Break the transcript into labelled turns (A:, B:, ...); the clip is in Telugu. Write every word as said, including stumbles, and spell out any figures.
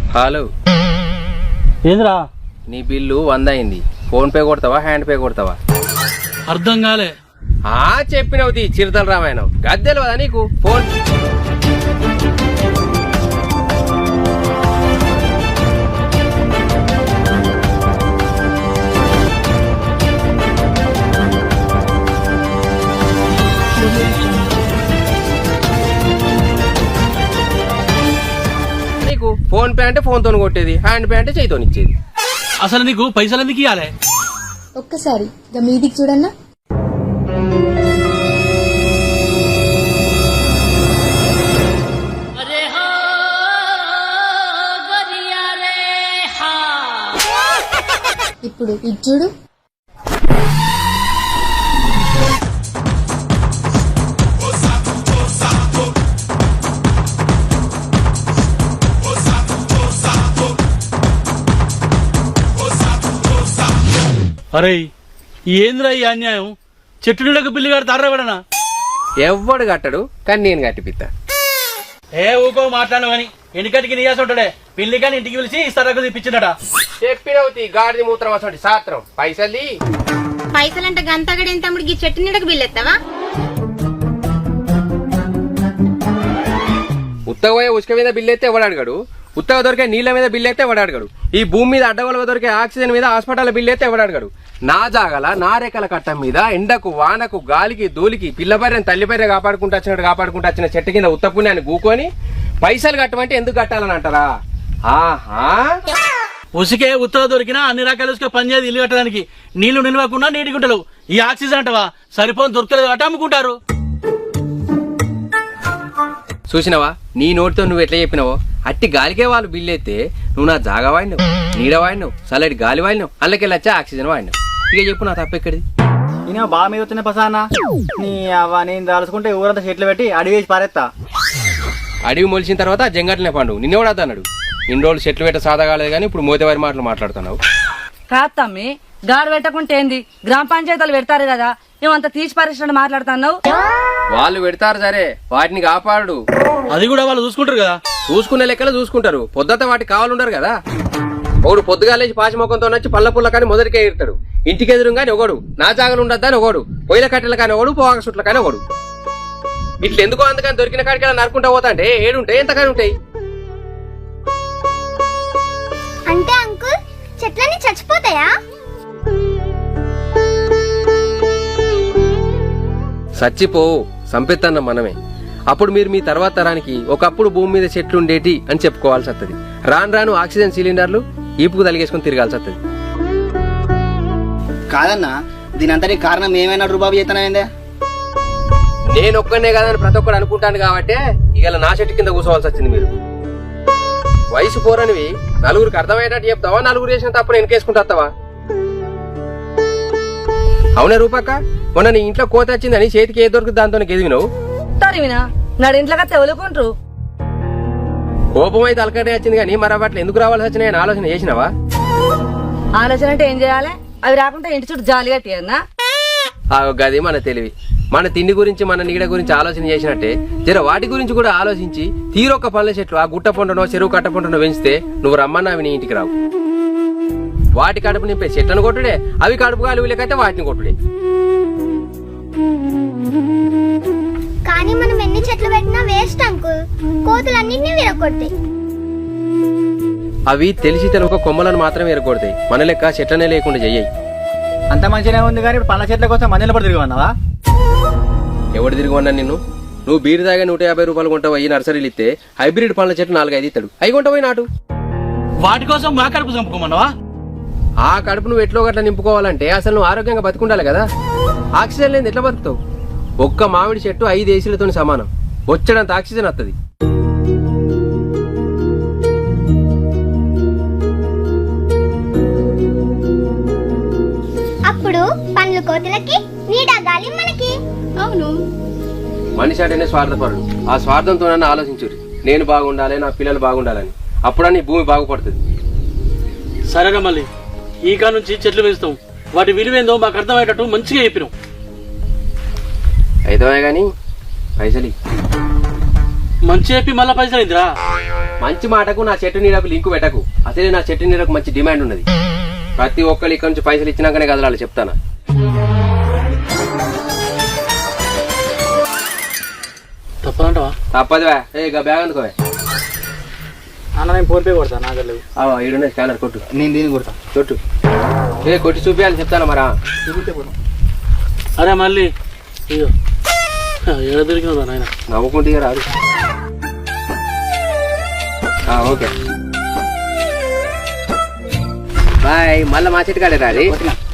A: హలో
B: ఏంద్రా
A: నీ బిల్లు వంద అయింది. ఫోన్ పే కొడతావా హ్యాండ్ పే కొడతావా?
B: అర్థం కాలే.
A: ఆ చెప్పినవుతి చిరుతల రామాయణం గద్దెలు కదా నీకు. ఫోన్ నీకు ఫోన్ పే అంటే ఫోన్ తో కొట్టేది, హ్యాండ్ పే అంటే చేయితో ఇచ్చేది.
B: అసలు నీకు పైసలు ఎందుకు ఇవ్వాలి?
C: ఒక్కసారి ఇక మీదికి చూడన్నా. ఇప్పుడు ఇది చూడు.
B: అరే ఏంద్రా ఈ అన్యాయం? చెట్టు నీడకు బిల్లు గారు తారబడనా?
A: ఎవ్వడు కట్టడు కానీ నేను కట్టిపిత్తా.
B: ఏ ఊకో మాట్లాడు గాని ఎన్నికటికి నీయాసి ఉంటాడే. పిల్లి కానీ ఇంటికి పిలిచి ఇస్తారకు తెప్పించినట.
A: చెప్పినవుతి గాడిది మూత్రం అసలు సాత్రం. పైసల్ది
D: పైసలంటే గంతగడేం తమ్ముడికి చెట్టు నీడకు బిల్లెత్తావా?
A: ఉత్తగా పోయే ఉసుక మీద బిల్లు అయితే ఎవడు అడగడు. ఉత్తగా దొరికే నీళ్ల మీద బిల్లు అయితే ఎవడు అడగడు. ఈ భూమి మీద అడ్డగోలుగా దొరికే ఆక్సిజన్ మీద హాస్పిటల్ బిల్లు అయితే ఎవడు అడగడు. నా జాగల నా రేఖల కట్టం మీద ఎండకు వానకు గాలికి ధూళికి పిల్లబర్రెని తల్లిబర్రె కాపాడుకుంటూ వచ్చినట్టు కాపాడుకుంటూ వచ్చిన చెట్టు కింద ఉత్త పుణ్యాన్ని గూకొని పైసలు కట్టమంటే ఎందుకు కట్టాలని అంటారా? ఆహా
B: ఉసికే ఉత్తగా దొరికినా అన్ని రకాల ఉసుక పనిచేది ఇల్లు కట్టడానికి. నీళ్లు నిలవకుండా నీటి గుంటలు. ఈ ఆక్సిజన్ అంటవా సరిపోని దొరకలేదు అట అమ్ముకుంటారు.
A: చూసినవా నీ నోటితో నువ్వు ఎట్లా చెప్పినావో అట్టి గాలికే వాళ్ళు బిల్లు అయితే నువ్వు నా జాగా వాడినావు, నీడ వాడినావు, చల్లటి గాలి వాడినావు, అందులోకి వచ్చా ఆక్సిజన్ వాడినావు. ఇక చెప్పు నా తప్పు ఎక్కడిది?
E: నేను బాగా మీద వచ్చిన పసానా నీ అవ్వ నేను దాల్చుకుంటే ఊరంతా చెట్లు పెట్టి అడివేసి పారేస్తా.
A: అడవి మొలిచిన తర్వాత జంగట్లనే పండు నిన్నెవడు అన్నాడు? ఇన్ని రోజులు చెట్లు పెట్ట సాదా కాలేదు కానీ ఇప్పుడు మోతేవారి మాటలు మాట్లాడుతున్నావు.
F: కాదు తమ్మి, గాడు పెట్టకుంటే ఏంది? గ్రామ పంచాయతీలు పెడతారు కదా, ఏమంత తీసి పరిశ్రమ మాట్లాడుతున్నావు.
A: వాళ్ళు పెడతారు సరే, వాటిని కాపాడు.
B: అది కూడా వాళ్ళు చూసుకుంటారు కదా.
A: చూసుకునే లెక్కలు చూసుకుంటారు, పొద్దుత వాటికి కావాలంటారు కదా. ఒకడు పొద్దుగాలేసి పాచిమొఖంతో నచ్చి పళ్ళ పుల్ల కానీ మొదటికే ఇడతాడు. ఇంటికి ఎదురు కానీ ఒకడు, నా జాగలు ఉండద్దని ఒకడు, పొయ్యిల కట్టెల కానీ ఒకడు, పోగా సుట్ల కానీ ఒకడు. ఇట్లా ఎందుకో అందుకని దొరికిన కాడికి నరుకుంటా పోతా అంటే ఏడుంటాయి ఎంతకాని ఉంటాయి.
D: అంటే అంకుల్ చెట్లన్నీ చచ్చిపోతాయా?
A: చచ్చిపోవు, సంపెత్తన్న మనమే. అప్పుడు మీరు మీ తర్వాత తరానికి ఒకప్పుడు భూమి మీద చెట్లు ఉండేటి అని చెప్పుకోవాల్సి వస్తుంది. రాను రాను ఆక్సిజన్ సిలిండర్లు ఈపుకు తలిగేసుకుని తిరగాల్సి వస్తుంది.
E: కాదన్నా దీని అంతటి కారణం ఏమైనా రూబాబు చేతనైందే?
A: నేను ఒక్కనే కాదని ప్రతి ఒక్కరు అనుకుంటాను కాబట్టి ఇవాళ నా చెట్టు కింద కూర్చోవాల్సి వచ్చింది. మీరు వయసు పోరనివి నలుగురికి అర్థమయ్యేటట్టు చెప్తావా? నలుగురు చేసిన తప్పుడు వెనకేసుకుంటావా? అవునా రూపక్క, మొన్న నీ ఇంట్లో కోత వచ్చిందని చేతికి ఏ దొరుకుతుంది దాంతో ఎదిగినావు.
F: తరివినా నాడు ఇంట్లోకి తెవలుకుంటారు.
A: కోపం అయితే అలకటే వచ్చింది కానీ మరి అట్లా ఎందుకు రావాల్సి వచ్చినాయని ఆలోచన చేసినావా?
F: ఆలోచన అంటే ఏం చేయాలి? అవి రాకుండా ఇంటి చుట్టూ జాలి కట్టియన్నా.
A: గది మన తెలివి. మన తిండి గురించి మన నీడ గురించి ఆలోచన చేసినట్టే జర వాటి గురించి కూడా ఆలోచించి తీరొక్క పళ్ళ చెట్లు ఆ గుట్ట పొండనో చెరువు కట్ట పొండనో పెంచితే నువ్వు రమ్మన్నా అవి నీ ఇంటికి రావు. వాటి కడుపు నింపే చెట్లను కొట్టుడే, అవి కడుపు గాలి వీళ్ళకైతే వాటిని కొట్టుడే.
D: కానీ మనం ఎన్ని చెట్లు పెట్టినా వేస్ట్ అంకుల్, కోతులన్నింటినీ విరగొడతాయి.
A: అవి తెలిసి తెలవక కొమ్మలను మాత్రమే ఎరగొడతాయి, మన లెక్క చెట్లనే లేకుండా చెయ్యి.
E: అంత మంచిగానే ఉంది కానీ ఇప్పుడు పండ్ల చెట్ల కోసం మందిలో పడి తిరిగి ఉన్నావా?
A: ఎవడు తిరిగి ఉన్నా నిన్ను? నువ్వు బీరు దాగా నూట యాభై రూపాయలు కొంటావు ఈ నర్సరీలు ఇస్తే హైబ్రిడ్ పండ్ల చెట్లు నాలుగైదు ఇస్తాడు, అవి కొంటపోయి నాటు.
B: వాటి కోసం మా కడుపు చంపుకోమన్నావా?
A: ఆ కడుపు నువ్వు ఎట్లో గట్లా నింపుకోవాలంటే అసలు నువ్వు ఆరోగ్యంగా బతుకుండాలి కదా. ఆక్సిజన్ లేని ఎట్లా బతుకుతావు? ఒక్క మామిడి చెట్టు ఐదు ఏసీలతో సమానం, వచ్చేటంత ఆక్సిజన్ వస్తుంది.
D: అప్పుడు పండ్లు కోతులకి, నీడ గాలి మనకి. అవును,
A: మనిషి అంటేనే స్వార్థపరుడు. ఆ స్వార్థంతో నన్ను ఆలోచించుర్రి, నేను బాగుండాలి, నా పిల్లలు బాగుండాలని. అప్పుడని భూమి బాగుపడుతుంది.
B: సరేనా మళ్ళీ ఈ కా నుంచి చెట్లు పెంచుతాం, వాటి విలువేందో మాకు అర్థమయ్యేటట్టు మంచిగా చెప్పినాం.
A: అయితే గాని పైసలు
B: మంచి చెప్పి మళ్ళా పైసలు అయిందిరా.
A: మంచి మాటకు నా చెట్టు నీడకు లింకు పెట్టకు. అసలే నా చెట్టు నీడకు మంచి డిమాండ్ ఉన్నది. ప్రతి ఒక్కరు ఇక్కడ నుంచి పైసలు ఇచ్చినాకనే కదలాలి చెప్తానా.
B: తప్పదంటవా?
A: తప్పదువా. ఏ ఇక బ్యాగ్ అందుకోవే.
E: అన్న నేను ఫోన్ పే కొడతా నా దగ్గర లేవు.
A: ఈడున్న స్కానర్ కొట్టు.
E: నేను దీన్ని కొడతా.
A: కొట్టు. ఏ కొట్టి చూపించాలి చెప్తానా మరా.
E: చూపిస్తే పోతాం.
B: అరే మళ్ళీ ఇదో ఏడ దొరికినదా నాయన.
A: నవ్వుకుంటే ఇక రాదు. Okay bye. మళ్ళీ మా చెట్టు కాడే రాది.